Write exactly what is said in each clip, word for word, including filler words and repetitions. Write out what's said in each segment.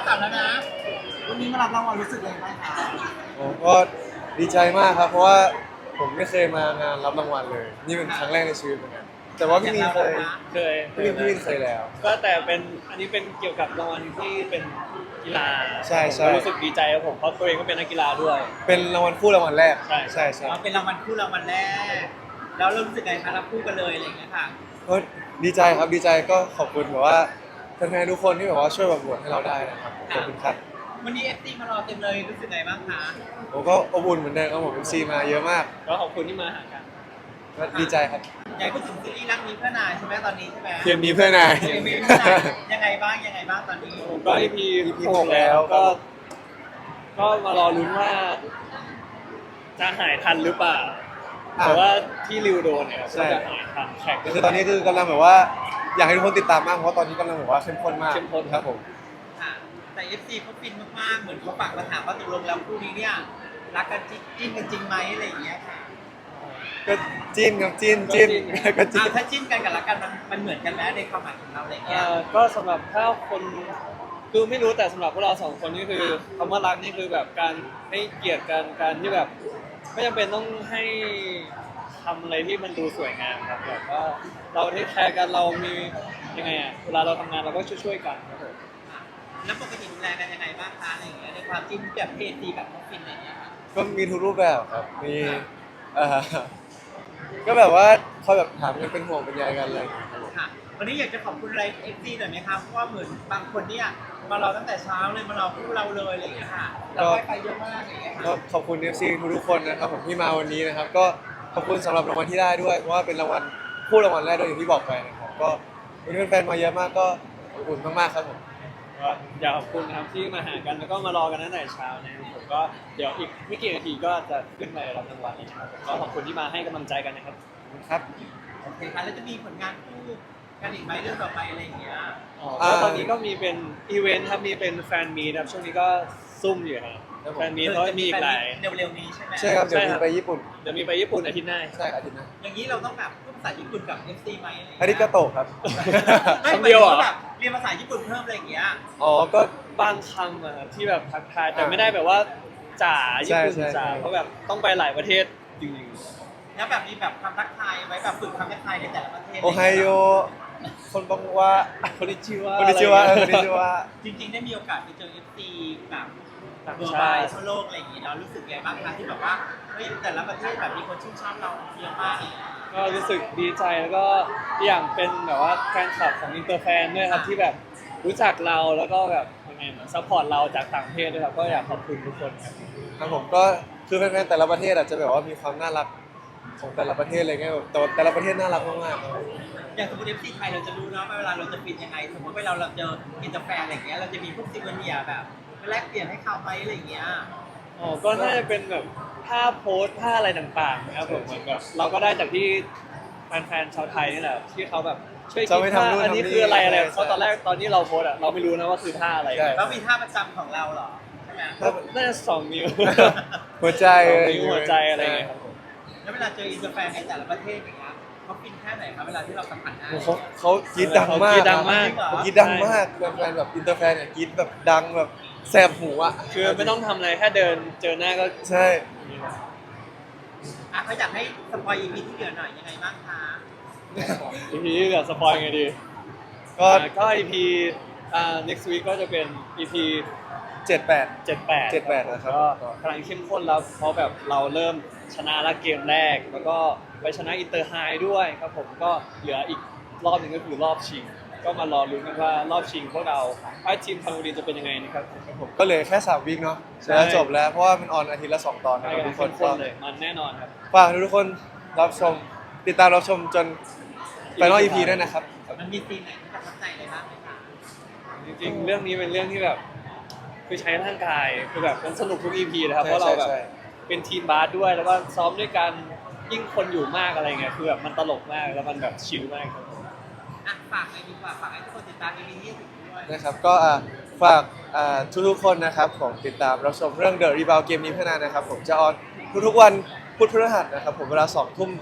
จับแล้วนะวันนี้มารับรางวัลรู้สึกยังไงบ้างคะผมก็ดีใจมากครับเพราะว่าผมไม่เคยมางานรับรางวัลเลยนี่เป็นครั้งแรกในชีวิตเหมือนกันแต่ว่าพี่มีนเคยเคยพี่มีนพี่มีนเคยแล้วก็แต่เป็นอันนี้เป็นเกี่ยวกับรางวัลที่เป็นกีฬาใช่ใช่ผมรู้สึกดีใจครับผมเพราะตัวเองก็เป็นนักกีฬาด้วยเป็นรางวัลคู่รางวัลแรกใช่ใช่ใช่อ๋อเป็นรางวัลคู่รางวัลแรกแล้วเรารู้สึกไงคะรับคู่กันเลยอะไรอย่างเงี้ยค่ะก็ดีใจครับดีใจก็ขอบคุณแบบว่าแฟนๆทุกคนที่แบบว่าช่วยแบบโหวตให้เราได้นะครับขอบคุณครับวันนี้เอฟซีมารอเต็มเลยรู้สึกไงบ้างคะผมก็อบอุ่นเหมือนเดิมครับผมเอ็มซีมาเยอะมากก็ขอบคุณที่มาหากันก็ดีใจครับอยากพูดถึงซีรีส์รักนี้เพื่อนายใช่ไหมตอนนี้ใช่ไหมเพียงนี้เพื่อนายเอ็มวีเพื่อนายยังไงบ้างยังไงบ้างตอนนี้ก็ อี พีอี พีหหกกแล้แล้ว วก็ ก็มารอลุ้นว่า จะหายทันหรือเปล่าอ่ะแต่ว่าที่ริวโดนเนี่ยใช่ก็จะหายทันแข่งก็คือตอนนี้คือกำลังแบบว่าอยากให้ทุกคนติดตามมากเพราะว่าตอนนี้กำลังแบบว่าเข้มข้นมากเข้มข้นครับผมค่ะแต่เอฟซีเขาฟินมากๆเหมือนเขาฝากมาถามว่าตกลงแล้วคู่นี้เนี่ยรักกันจริงจิ้นกันจริงไหมอะไรอย่างเงี้ยค่ะก็จิ้นครับจิ้นจิ้นก็จิ้อ่าน ถ้าจิ้นกันกับรักกันมันมันเหมือนกันไหมในความหมายของเราอะไรอย่างเงี้ยเอ่อก็สำหรับถ้าคนคือไม่รู้แต่สำหรับพวกเราสองคนนี่คือคำว่ารักนี่คือแบบการให้เกียรติกันการที่แบบไม่จำเป็นต้องให้ทำอะไรที่มันดูสวยงามครับแบบว่าเราที่แคร์กันเรามียังไงอ่ะเวลาเราทำงานเราก็ช่วยๆกันครับผมแล้วปกติดูแลกันยังไงบ้างคะอะไรอย่างเงี้ยในความจิ้นแบบเพศดีแบบน้องฟินอะไรอย่างเงี้ยค่ะก็มีทุกรูปแบบครับมีเอ่อก็แบบว่าคอยแบบถามกันเป็นห่วงเป็นใยกันอะไรอย่างเลยครับผมค่ะวันนี้อยากจะขอบคุณอะไรเอฟซีหน่อยไหมครับเพราะว่าเหมือนบางคนเนี่ยมารอตั้งแต่เช้าเลยมารอคู่เราเลยอะไรอย่างเงี้ยค่ะเราไปไปเยอะมากอะไรอย่างเงี้ยก็ค่ะขอบคุณ เอฟ ซี ทุกๆคนนะครับผมที่มาวันนี้นะครับ ก็ขอบคุณสำหรับรางวัลที่ได้ด้วยเพราะว่าเป็นรางวัลคู่รางวัลแรกด้วยอย่างที่บอกไปนะครับก็วันนี้แฟนๆมาเยอะมากก็ขอบคุณมากๆครับผมก็อยากขอบคุณนะครับที่มาหากันแล้วก็มารอกันตั้งแต่เช้านะครับผมก็เดี๋ยวอีกไม่กี่นาทีก็จะขึ้นไปรับรางวัลแล้วนะครับผมก็ขอบคุณที่มาให้กำลังใจกันนะครับครับโอเคค่ะแล้วจะมีผลงานคู่กันอีกไหมเรื่องต่อไปอะไรอย่างเงี้ยอ๋อก็ตอนนี้ก็มีเป็นอีเวนต์ครับมีเป็นแฟนมีตครับช่วงนี้ก็ซุ่มอยู่ครับแฟนมีตเขาจะมีอีกหลายเร็วๆนี้ใช่ไหมใช่ครับเดี๋ยวใช่ครัมีบไปญี่ปุ่นเดี๋ยวมีไปญี่ปุ่นอาทิตย์หน้าใช่อาทิตย์หน้าอย่างนี้เราต้องแบบพูดภาษาญี่ปุ่นกับเอฟซีไหมอะไรอย่างอาทิตย์เงี้ก็ยโตะครับไม่คำเดียวเหรอแบบเรียนภาษาญี่ปุ่นเพิ่มอะไรอย่างเงี้ยอ๋อก็บางคำอะครับที่แบบทักทายแต่ไม่ได้แบบว่าจ๋าญี่ปุ่นใช่ใช่จ๋าเพราะแบบต้องไปหลายประเทศจริงแล้วแบบมีแบบคำทักทายไว้แบบฝึกคำทักทายในแต่ละประเทศโอไฮโอคนบังว่าๆคนที่ชื่อว่าคนที่ชื่อว่าเออคนที่ชื่อว่าจริงๆได้มีโอกาสไปเจอเอฟซีแบบต่างเวอร์ชาไบติทั่วโลกอะไรอย่างงี้เรารู้สึกไงบ้างคะที่แบบว่าเฮ้ยแต่ละประเทศแบบมีคนชื่นชอบเราเยอะมากเลยก็รู้สึกดีใจแล้วก็อีกอย่างเป็นแบบว่าแฟนคลับของอินเตอร์แฟนด้วยครับที่แบบรู้จักเราแล้วก็แบบยังไงเหมือนซัพพอร์ตเราจากต่างประเทศด้วยครับก็อยากขอบคุณทุกคนครับครับผมก็คือแฟนๆแต่ละประเทศอาจจะแบบว่ามีความน่ารักของแต่ละประเทศอะไรเงี้ยแบบแต่ว่าแต่ละประเทศน่ารักมากๆครับอย่างสมมติเอฟซีไทยเราจะรู้เนาะว่าเวลาเราจะปิดยังไงสมมติเวลาเราเจออินเตอร์แฟนอะไรอย่างเงี้ยเราจะมีพวกซิมเนียแบบไปแลกเปลี่ยนให้เขาไหมอะไรอย่างเงี้ยอ๋อก็น่าจะเป็นแบบภาพโพสต์ภาพอะไรต่างๆนะครับผมเหมือนแบบเราก็ได้จากที่แฟนๆชาวไทยนี่แหละที่เขาแบบช่วยคิดจะไปทำว่านู่นอันนี้ทำนี่คืออะไรอะไรใช่เพราะตอนแรกตอนที่เราโพสต์อะเราไม่รู้นะว่าคือท่าอะไรใช่แล้วมีท่าประจำของเราเหรอใช่ไหมน่าจะสองนิ้วหัวใจสองอะไรนิ้วหัวใจอะไรอย่างเงี้ยครับผมแล้วเวลาเจออินเตอร์แฟนในแต่ละประเทศอย่างเงี้ยเขาฟินแค่ไหนครับเวลาที่เราสัมผัสได้โอ้โหเขาเขากรีดดังมากกรี๊ดดังมากเขากรีดดังมากแฟนๆแบบอินเตอร์แฟนเนี่ยกรีดแบบดังแบบแสบหูอ่ะคือไม่ต้องทำอะไรแค่เดินเจอหน้าก็ใช่อ่ะเขาอยากให้สปอยอีพีที่เหลือหน่อยยังไงบ้างคะอีพีที่เหลือสปอยไงดีก็อ่าก็อีพีอ่า next week ก็จะเป็น อี พีเจ็ดแปดเจ็ดแปดเจ็ดแปดนะครับก็กำลังเข้มข้นแล้วเพราะแบบเราเริ่มชนะละเกมแรก แล้วก็ไปชนะอินเตอร์ไฮด้วยครับผมก็เหลืออีกรอบหนึ่งก็คือรอบชิง ก็มารอลุ้นกันว่ารอบชิงพวกเราไอ้ทีมทางบุรีจะเป็นยังไงนะครับครับผมก็เหลยแค่สามวีคเนาะใช่แล้วจบแล้วเพราะว่ามันออนอาทิตย์ละสองตอนนะใช่ครับกัทุนกคเข้นมก็ข้นเลยมันแน่นอนครับฝากทุกคนรับชมติดตามรับชมจนไฟนอลอีพีด้วยนะครับมันมีซีนไหนที่ประทับใจอะไรบ้างไหมคะจริงๆ เรื่องนี้เป็นเรื่องที่แบบคือใช้ร่างกายคือแบบมันสนุกทุก อี พี นะครับใช่เพราะเราแบบใช่เป็นทีมบาสด้วยแล้วก็ซ้อมด้วยกันยิ่งคนอยู่มากอะไรเงี้ยคือแบบมันตลกมากแล้วมันแบบชิลมากครับผมอ่ะฝากหน่อยดีกว่าฝากให้ทุกคนติดตามอีพีที่สิบด้วยนะครับก็อ่ะฝากอ่าทุกๆคนนะครับของติดตามรับชมเรื่อง The Rebound เกมนี้เพื่อนานนะครับผมจะออนทุกๆวันพุธพฤหัสนะครับผมเวลาสองทุ่มทาง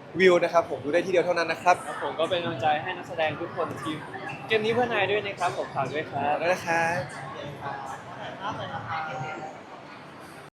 วิวนะครับผมดูได้ที่เดียวเท่านั้นนะครับครับผมก็เป็นกำลังใจให้นักแสดงทุกคนทีมเกมนี้เพื่อนนายด้วยนะครับผมฝากด้วยครับแล้วนะครับมากเลยนะคะ